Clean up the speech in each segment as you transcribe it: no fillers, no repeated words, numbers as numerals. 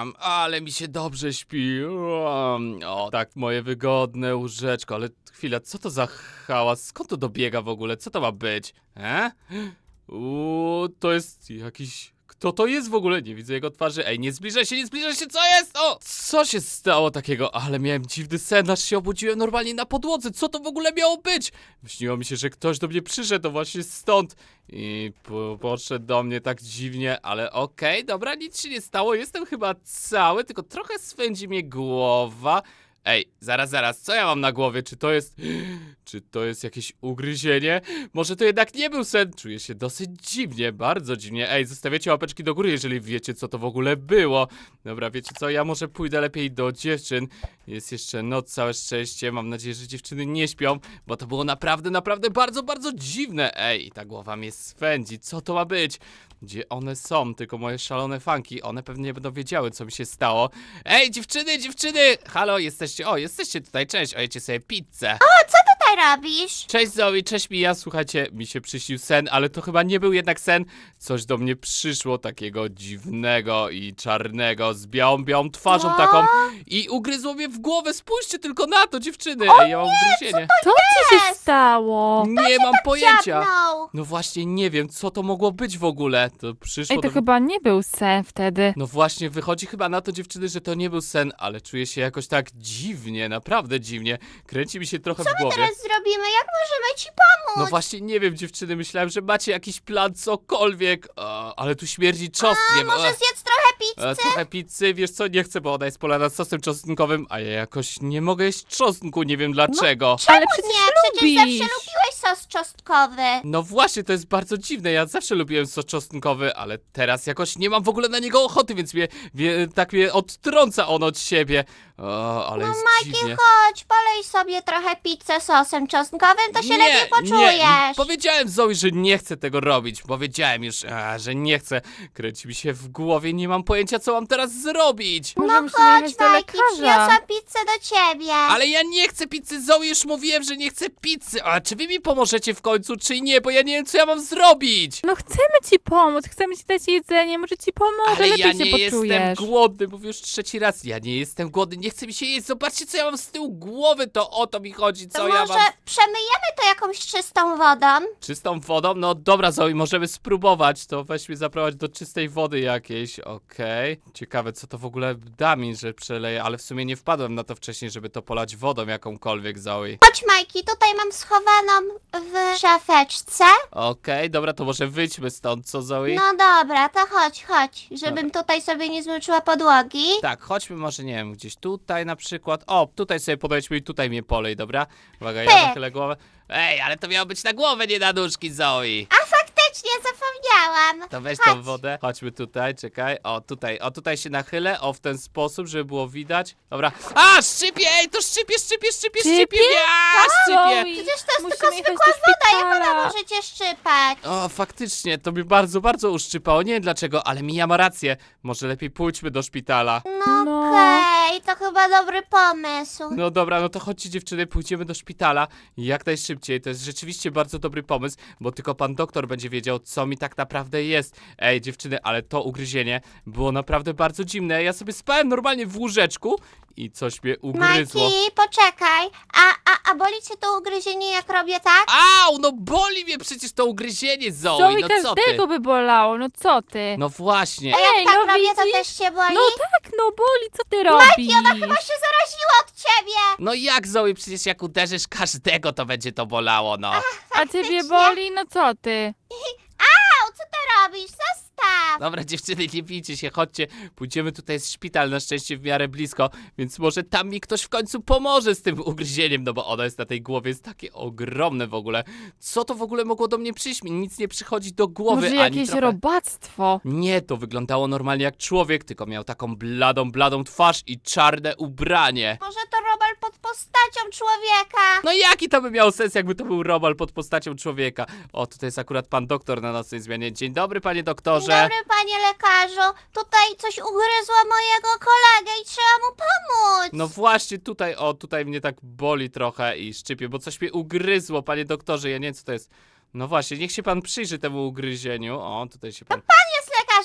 ale mi się dobrze śpi. O, tak, moje wygodne łóżeczko, ale chwila, co to za hałas? Skąd to dobiega w ogóle? Co to ma być? To jest jakiś... Kto to jest w ogóle? Nie widzę jego twarzy. Ej, nie zbliżaj się, co jest? O! Co się stało takiego? Ale miałem dziwny sen, aż się obudziłem normalnie na podłodze. Co to w ogóle miało być? Śniło mi się, że ktoś do mnie przyszedł właśnie stąd. I podszedł do mnie tak dziwnie, ale okej, dobra, nic się nie stało. Jestem chyba cały, tylko trochę swędzi mnie głowa. Ej, zaraz, co ja mam na głowie? Czy to jest jakieś ugryzienie? Może to jednak nie był sen? Czuję się dosyć dziwnie, bardzo dziwnie. Ej, zostawiacie łapeczki do góry, jeżeli wiecie, co to w ogóle było. Dobra, wiecie co? Ja może pójdę lepiej do dziewczyn. Jest jeszcze noc, całe szczęście. Mam nadzieję, że dziewczyny nie śpią, bo to było naprawdę bardzo, bardzo dziwne. Ej, ta głowa mnie swędzi. Co to ma być? Gdzie one są? Tylko moje szalone fanki. One pewnie nie będą wiedziały, co mi się stało. Ej, dziewczyny! Halo, jesteście? O, jesteście tutaj, cześć. O, jecie sobie pizzę. Co robisz? Cześć Zoe, cześć Mija, słuchajcie, mi się przyśnił sen, ale to chyba nie był jednak sen. Coś do mnie przyszło takiego dziwnego i czarnego, z białą twarzą taką i ugryzło mnie w głowę. Spójrzcie tylko na to, dziewczyny. Ej, ja mam ugryzienie. Co ci się stało? Nie mam pojęcia. Dziabnął. No właśnie nie wiem, co to mogło być w ogóle. To przyszło Ej, to do... chyba nie był sen wtedy. No właśnie, wychodzi chyba na to, dziewczyny, że to nie był sen, ale czuję się jakoś tak dziwnie, naprawdę dziwnie. Kręci mi się trochę w głowie. Teraz zrobimy, jak możemy ci pomóc? No właśnie, nie wiem, dziewczyny, myślałem, że macie jakiś plan, cokolwiek, ale tu śmierdzi czosnkiem. Może zjedz trochę pizzy? Trochę pizzy, wiesz co, nie chcę, bo ona jest polana sosem czosnkowym, a ja jakoś nie mogę jeść czosnku, nie wiem dlaczego. Ale przecież Nie, przecież lubisz. zawsze lubiłeś sos czosnkowy. No właśnie, to jest bardzo dziwne, ja zawsze lubiłem sos czosnkowy, ale teraz jakoś nie mam w ogóle na niego ochoty, więc tak mnie odtrąca on od siebie. Ale jest dziwnie. Chodź, polej sobie trochę pizzę sosem czosnkowym, to się lepiej poczujesz. Nie. Powiedziałem Zoe, że nie chcę tego robić. Powiedziałem już, że nie chcę. Kręci mi się w głowie, nie mam pojęcia, co mam teraz zrobić. Może musimy Chodź, jechać do Majki, lekarza. przyniosłam pizzę do ciebie. Ale ja nie chcę pizzy, Zoe, już mówiłem, że nie chcę pizzy. A czy wy mi pomożecie w końcu, czy nie? Bo ja nie wiem, co ja mam zrobić. No chcemy ci pomóc, chcemy ci dać jedzenie, może ci pomoże, Ale lepiej ja się nie poczujesz. jestem głodny, mówię już trzeci raz. Ja nie jestem głodny, nie chce mi się jeść. Zobaczcie, co ja mam z tyłu głowy, to o to mi chodzi, co To ja może mam. przemyjemy to jakąś czystą wodą? Czystą wodą? No dobra, Zoe, możemy spróbować. To weź mnie zaprowadź do czystej wody jakiejś, okej. Ciekawe, co to w ogóle da mi, że przeleję, ale w sumie nie wpadłem na to wcześniej, żeby to polać wodą jakąkolwiek, Zoe. Chodź, Majki, tutaj mam schowaną w szafeczce. Okej, dobra, to może wyjdźmy stąd, co, Zoe? No dobra, to chodź, żebym tutaj sobie nie zmyczyła podłogi. Tak, chodźmy może, nie wiem, gdzieś tutaj na przykład. O, tutaj sobie podejdźmy i tutaj mnie polej, dobra? Uwaga, ja Pyk. nachylę głowę. Ej, ale to miało być na głowę, nie na nóżki, Zoe. A faktycznie, zapomniałam. To weź Chodź. tą wodę. Chodźmy tutaj, czekaj. O, tutaj się nachylę. O, w ten sposób, żeby było widać. Dobra. A, szczypie! Ej, to szczypie mnie! A, szczypie! Przecież to jest Musimy tylko jechać zwykła do woda, jak ona szpitala. może cię szczypać? O, faktycznie, to mi bardzo uszczypało. Nie wiem dlaczego, ale Mija ma rację. Może lepiej pójdźmy do szpitala. No okej, to chyba dobry pomysł. No dobra, no to chodźcie dziewczyny, pójdziemy do szpitala jak najszybciej. To jest rzeczywiście bardzo dobry pomysł, bo tylko pan doktor będzie wiedział, co mi tak naprawdę jest. Ej, dziewczyny, ale to ugryzienie było naprawdę bardzo dziwne. Ja sobie spałem normalnie w łóżeczku i coś mnie ugryzło. Majki, poczekaj. A boli cię to ugryzienie, jak robię tak? Au, no boli mnie przecież to ugryzienie, Zoe, Zoe, no co ty? każdego by bolało, no co ty? No właśnie. A jak Ej, tak no robię, to widzisz? też cię boli? No tak, no boli, co ty robisz? Ona chyba się zaraziła od ciebie. No jak, Zoe, przecież jak uderzysz każdego, to będzie to bolało, no. A ciebie boli? No co ty? Au, co ty robisz? Zostaw. Dobra, dziewczyny, nie bijcie się, chodźcie. Pójdziemy, tutaj jest szpital, na szczęście w miarę blisko, więc może tam mi ktoś w końcu pomoże z tym ugryzieniem, no bo ono jest na tej głowie, jest takie ogromne w ogóle. Co to w ogóle mogło do mnie przyjść? Mi nic nie przychodzi do głowy, Może ani jakieś trochę. robactwo? Nie, to wyglądało normalnie jak człowiek, tylko miał taką bladą twarz i czarne ubranie. Może to robal pod postacią człowieka. No jaki to by miał sens, jakby to był robal pod postacią człowieka? O, tutaj jest akurat pan doktor na nocnej zmianie. Dzień dobry, panie doktorze. Dzień dobry, panie lekarzu. Tutaj coś ugryzło mojego kolegę i trzeba mu pomóc. No właśnie, tutaj mnie tak boli trochę i szczypie, bo coś mnie ugryzło, panie doktorze, ja nie wiem co to jest. No właśnie, niech się pan przyjrzy temu ugryzieniu. O, tutaj się pan... Jest lekarzem, pan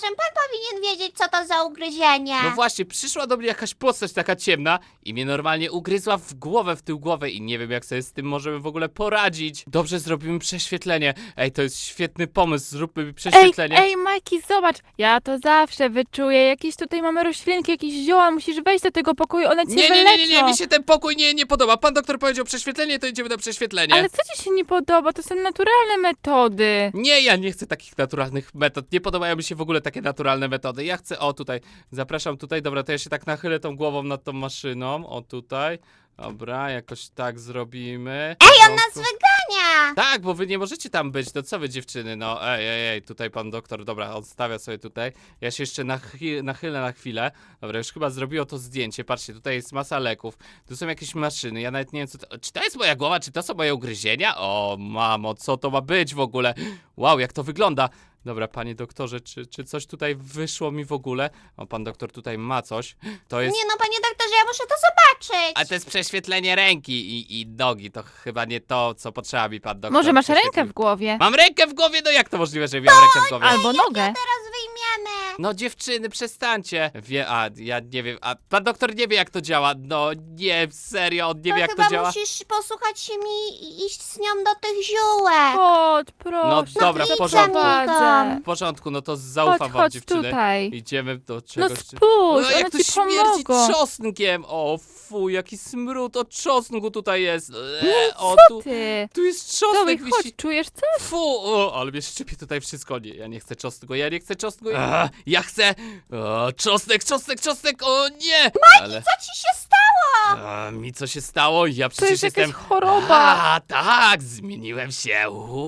powinien wiedzieć, co to za ugryzienie. No właśnie, przyszła do mnie jakaś postać taka ciemna i mnie normalnie ugryzła w głowę, w tył głowę i nie wiem jak sobie z tym możemy w ogóle poradzić. Dobrze, zrobimy prześwietlenie. Ej, to jest świetny pomysł, zróbmy prześwietlenie. Ej, Majki, zobacz, ja to zawsze wyczuję. Jakieś tutaj mamy roślinki, jakieś zioła, musisz wejść do tego pokoju, one cię wyleczą. Mi się ten pokój nie podoba. Pan doktor powiedział prześwietlenie, to idziemy na prześwietlenie. Ale co ci się nie podoba? To są naturalne metody. Nie, ja nie chcę takich naturalnych metod. Nie podobają mi się w ogóle takie naturalne metody. Ja chcę, o tutaj, zapraszam tutaj. Dobra, to ja się tak nachylę tą głową nad tą maszyną. O tutaj. Dobra, jakoś tak zrobimy. Ej, on nas wygania! Tak, bo wy nie możecie tam być, to co wy dziewczyny, no ej, tutaj pan doktor, dobra, odstawia sobie tutaj. Ja się jeszcze nachylę na chwilę. Dobra, już chyba zrobiło to zdjęcie, patrzcie, tutaj jest masa leków, tu są jakieś maszyny, ja nawet nie wiem co to, czy to jest moja głowa, czy to są moje ugryzienia? O mamo, co to ma być w ogóle? Wow, jak to wygląda? Dobra, panie doktorze, czy coś tutaj wyszło mi w ogóle? O, pan doktor tutaj ma coś. To jest... Nie no, panie doktorze, ja muszę to zobaczyć. A to jest prześwietlenie ręki i nogi, to chyba nie to, co potrzeba mi pan doktor. Może masz rękę prześwietlił. w głowie? Mam rękę w głowie? No jak to możliwe, że miałem rękę w głowie? Albo nogę. Teraz wyjmiemy. No dziewczyny, przestańcie. Ja nie wiem, a pan doktor nie wie jak to działa. No nie, serio, on nie wie jak chyba to działa. musisz posłuchać się mi i iść z nią do tych ziółek. Chodź, proszę. No dobra, w idź porządku. za mną. W porządku, no to zaufam Chodź, wam chodź dziewczyny. tutaj. Idziemy do No czegoś. spójrz, jak one to ci śmierdzi pomogą. czosnkiem. O fuj, jaki smród od czosnku tutaj jest. O, Co tu, ty? tu jest Zoe, czosnek chodź, wisi. czujesz coś? Fu, o, ale mnie szczypie tutaj wszystko. Nie, ja nie chcę czosnku, ja nie chcę czosnku. Ja chcę. O, czosnek, o nie! Ale Co ci się stało? mi co się stało? Ja To przecież jest jestem. jakaś choroba. A, tak, zmieniłem się.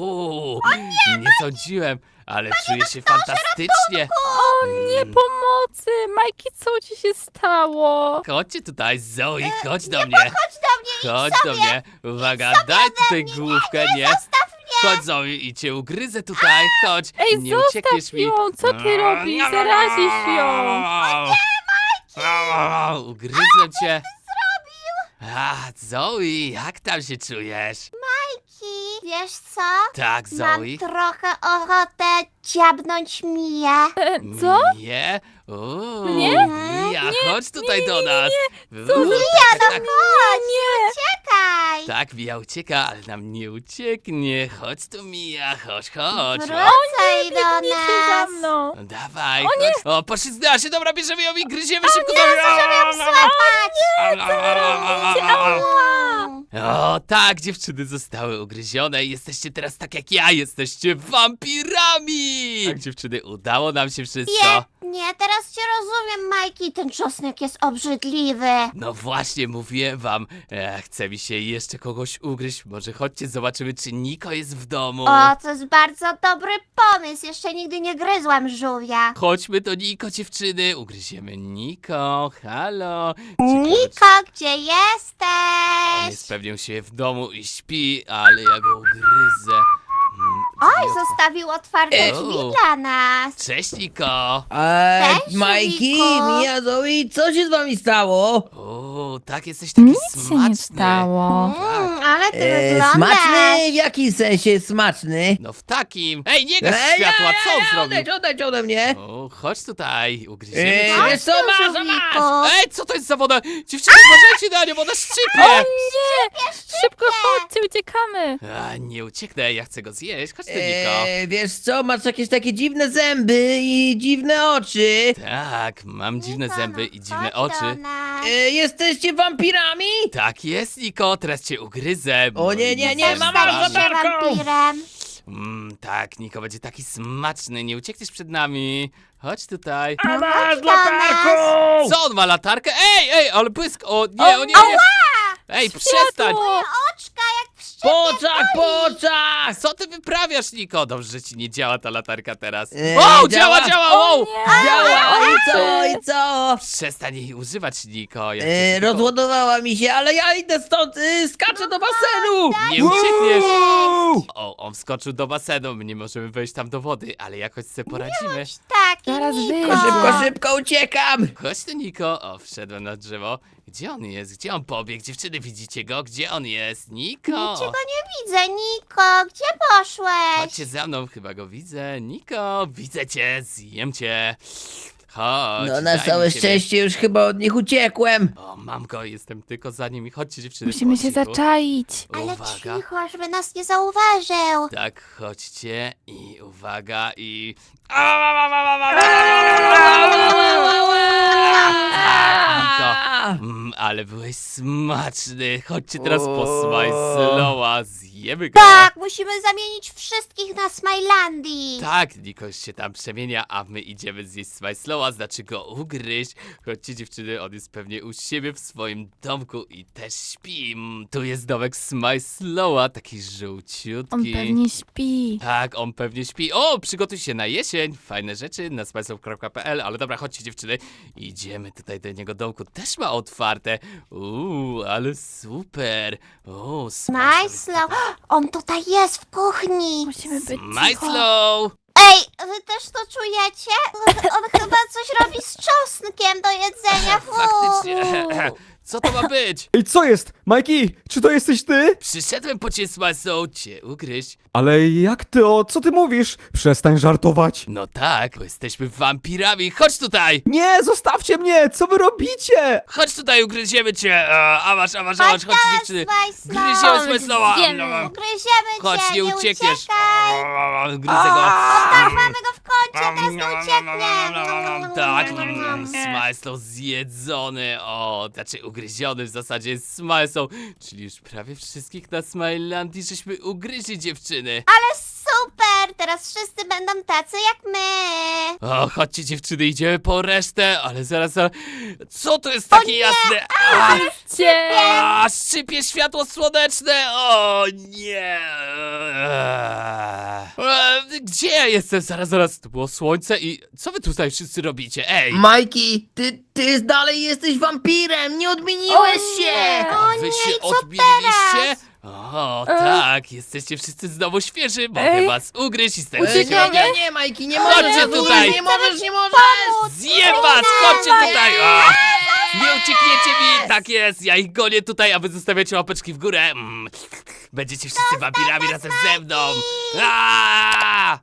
Nie sądziłem, ale czuję się fantastycznie. O nie, pomocy! Majki, co ci się stało? Chodźcie tutaj, Zoe, chodź do mnie. Chodź do mnie, Chodź do mnie. Uwaga, daj tutaj główkę, nie. Chodź, Zoe, i cię ugryzę tutaj, chodź. Ej, nie uciekniesz zostaw mi. ją, co ty robisz? Zarazisz ją. Ugryzłem cię. A, Zoe, jak tam się czujesz? Majki. Wiesz co? Tak, Mam Zoe. trochę ochotę dziabnąć Miję. Co? Nie? O, Mnie? Mija, chodź tutaj do nas. Co za- Tak, tak, Nie. Czekaj. tak, Mija ucieka, ale nam nie ucieknie. Chodź tu, Mija, chodź. Wracaj do Biegnij się za nas. mną. No dawaj, chodź. O, poszliznęła się, dobra, bierzemy ją i gryziemy szybko. O, tak, dziewczyny zostały ugryzione i jesteście teraz tak jak ja, jesteście wampirami! Tak, dziewczyny, udało nam się wszystko. Nie, teraz cię rozumiem, Majki. Ten czosnek jest obrzydliwy. No właśnie, mówiłem wam, chce mi się jeszcze kogoś ugryźć, może chodźcie, zobaczymy, czy Niko jest w domu. O, to jest bardzo dobry pomysł. Jeszcze nigdy nie gryzłam żółwia. Chodźmy do Niko, dziewczyny, ugryziemy Niko, halo. Ciekawe, Niko, gdzie czy on jesteś? jest pewnie u siebie w domu i śpi, ale ja go ugryzę. Oj, Niko. zostawił otwarte O. drzwi dla nas. Cześć, Niko. Cześć, Majki, Żółwiku. Mija, Zoe, co się z wami stało? O, tak, jesteś taki Nic się smaczny. nie stało. Ale ty wyglądasz. Smaczny? W jakim sensie smaczny? No w takim. Ej, nie gaś światła, co on zrobił? Odejdź ode mnie. O, chodź tutaj, ugryziemy cię. Wiesz co, masz, masz. Żółwiku. Ej, co to jest za woda? Dziewczyny, uważajcie na nią, ona O szczypie! nie! Szybko chodźcie, uciekamy. A, nie ucieknę, ja chcę go zjeść. Chodź tu, Niko. Wiesz co, masz jakieś takie dziwne zęby i dziwne oczy. Tak, mam dziwne Niko, zęby no, i dziwne chodź do oczy. nas. Jesteście wampirami? Tak jest, Niko, teraz cię ugryzę. O, nie, nie, nie, Chcesz mama, Staniesz zobaczyć? się latarką. wampirem. Tak, Niko, będzie taki smaczny, nie uciekniesz przed nami. Chodź tutaj. A masz do nas. Co, on ma latarkę? Ej, ale błysk! O, nie, o nie, nie! Ej, przestań! Światło. Oczka jak w szczypie. Po oczach! Co ty wyprawiasz, Niko? Dobrze, że ci nie działa ta latarka teraz. Eee, O, działa. działa! Wow! Nie. Działa, i co? Przestań jej używać, Niko. Ja E, chcę tylko- rozładowała mi się, ale ja idę stąd, skaczę do basenu! Nie uciekniesz! Wow! O, on wskoczył do basenu, my nie możemy wejść tam do wody, ale jakoś sobie poradzimy. Tak, Zaraz Niko. wyjdzie. Szybko uciekam! Chodź tu, Niko. O, wszedłem na drzewo. Gdzie on jest? Gdzie on pobiegł? Dziewczyny, widzicie go? Gdzie on jest? Niko! Niczego nie widzę, Niko. Gdzie poszłeś? Chodźcie za mną, chyba go widzę. Niko, widzę cię, zjem cię. Chodź, No na daj całe mi ciebie. szczęście już chyba od nich uciekłem. O, mam go, jestem tylko za nim i chodźcie, dziewczyny. Musimy po się cichu. zaczaić. Ale Uwaga. cicho, żeby nas nie zauważył. Tak, chodźcie i uwaga i... Niko, ale byłeś smaczny. Chodźcie teraz po Smajslowa, zjemy go. Tak, musimy zamienić wszystkich na Smilandii. Tak, Nikoś się tam przemienia, a my idziemy zjeść Smajslowa, znaczy go ugryźć. Chodźcie, dziewczyny, on jest pewnie u siebie w swoim domku i też śpi. Tu jest domek Smajslowa, taki żółciutki. On pewnie śpi. Tak, on pewnie śpi. O, przygotuj się na jesień. Fajne rzeczy na smajslow.pl. Ale dobra, chodźcie, dziewczyny. Idziemy tutaj do niego domku. Też ma otwarte. Ale super. O, Smajslow, on tutaj jest w kuchni. Musimy być cicho. Smajslow! Ej, wy też to czujecie? On chyba coś robi z czosnkiem do jedzenia. Fu. Faktycznie. Co to ma być? Ej, co jest? Majki, czy to jesteś ty? Przyszedłem po ciebie, Smajslow, cię ugryźć. Ale jak ty, co ty mówisz? Przestań żartować. No tak, bo jesteśmy wampirami. Chodź tutaj! Nie, zostawcie mnie, co wy robicie? Chodź tutaj, ugryziemy cię! A masz, chodźcie dziewczyny! Smajslow. Gryziemy Smajslowa! Zjemy. Ugryziemy Chodź, cię, nie uciekniesz! uciekaj. Gryzę go! Tak, mamy go w kącie, teraz nie ucieknie. Tak, Smajslow zjedzony, znaczy ugryziony w zasadzie jest Smajslow, czyli już prawie wszystkich na Smilandii żeśmy ugryźli, dziewczyny. Ale super, teraz wszyscy będą tacy jak my. O, chodźcie, dziewczyny, idziemy po resztę, ale zaraz, co to jest takie jasne? Cię. Szczypie światło słoneczne! O nie! Gdzie ja jestem? Zaraz, to było słońce i co wy tutaj wszyscy robicie? Ej! Majki, ty dalej jesteś wampirem, nie odmieniłeś się! O Wy nie, się i co odmieniliście? O, tak, jesteście wszyscy znowu świeży, mogę Ej. was ugryźć i stać Uciekamy? się Nie, Majki, nie Chodźcie możesz, tutaj. nie możesz! Zjem was! Chodźcie tutaj! Nie uciekniecie mi! Tak jest, ja ich gonię tutaj, a wy zostawiacie łapeczki w górę. Będziecie wszyscy wampirami razem ze mną! Aaaa!